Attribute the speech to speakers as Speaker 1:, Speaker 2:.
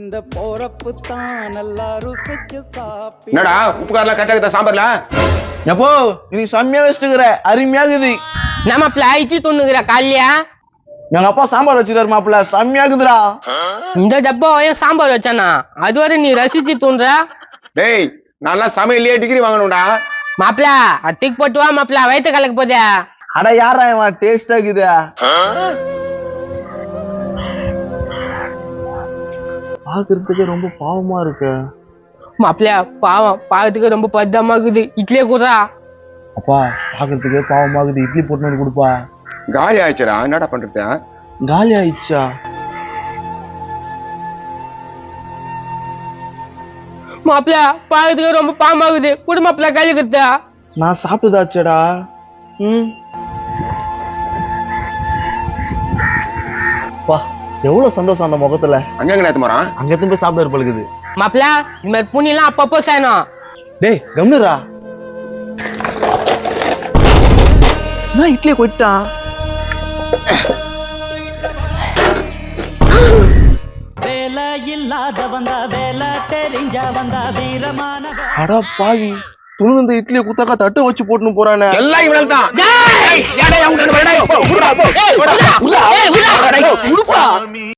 Speaker 1: இந்த போறப்பு தான் நல்லா ருசிச்சு சாப்பிடு.
Speaker 2: என்னடா உப்பு காரெல்லாம் கரெக்டா சாம்பார்ல
Speaker 3: எப்போ நீ செம்மையா வச்சுக்கிற அருமையா இருக்குது.
Speaker 4: நம்ம பிளாய்ச்சி துண்ணுகிற காலியா
Speaker 3: எங்க அப்பா சாம்பார் வச்சுக்கிறாரு மாப்பிள்ள, செம்மையா இருக்குதுடா.
Speaker 4: இந்த டப்பாவையும் சாம்பார் வச்சானா அதுவரை நீ ரசிச்சு தூண்டுற.
Speaker 2: டேய் நல்லா சமையல்லையே டிகிரி வாங்கணும்டா.
Speaker 4: மாப்பிள அத்திக்கு போட்டு வா மாப்பிள, வயிற்று கலக்க போதே.
Speaker 3: அட யாரா இவன் டேஸ்டா இருக்குது. பாக்குறதுக்கு ரொம்ப பாவமா இருக்கு.
Speaker 4: மாப்பிள பாவம் பாவத்துக்கு ரொம்ப பத்தமா இருக்குது, இட்லியே கூடா.
Speaker 3: அப்பா பாக்குறதுக்கு பாவமா இருக்குது, இட்லி போட்டு வந்து கொடுப்பா.
Speaker 2: காலி ஆயிடுச்சுடா, என்னடா பண்றது?
Speaker 3: காலி ஆயிடுச்சா?
Speaker 4: மாப்பிள பாவத்துக்கு ரொம்ப பாவமாகுது, குடு மாப்பிள கையில கத்தா.
Speaker 3: நான் சாப்பிட்டுதாச்சேடா. பா எவ்வளவு சந்தோஷம் அந்த முகத்துல.
Speaker 2: அங்க நேத்து போறான்,
Speaker 3: அங்க எத்தனை போய் சாப்பிட இருப்பழுக்குது.
Speaker 4: மாப்பிள இந்த மாதிரி புண்ணிலாம் அப்பப்போ செய்யணும்.
Speaker 3: டேய் கம்னுரா, நான் இட்லியை கொட்டான். அடா பாவி, துணு இந்த இட்லியை குத்தாக்கா தட்டு வச்சு போட்டுன்னு போறானே.
Speaker 2: எல்லாம் இவனால தான்.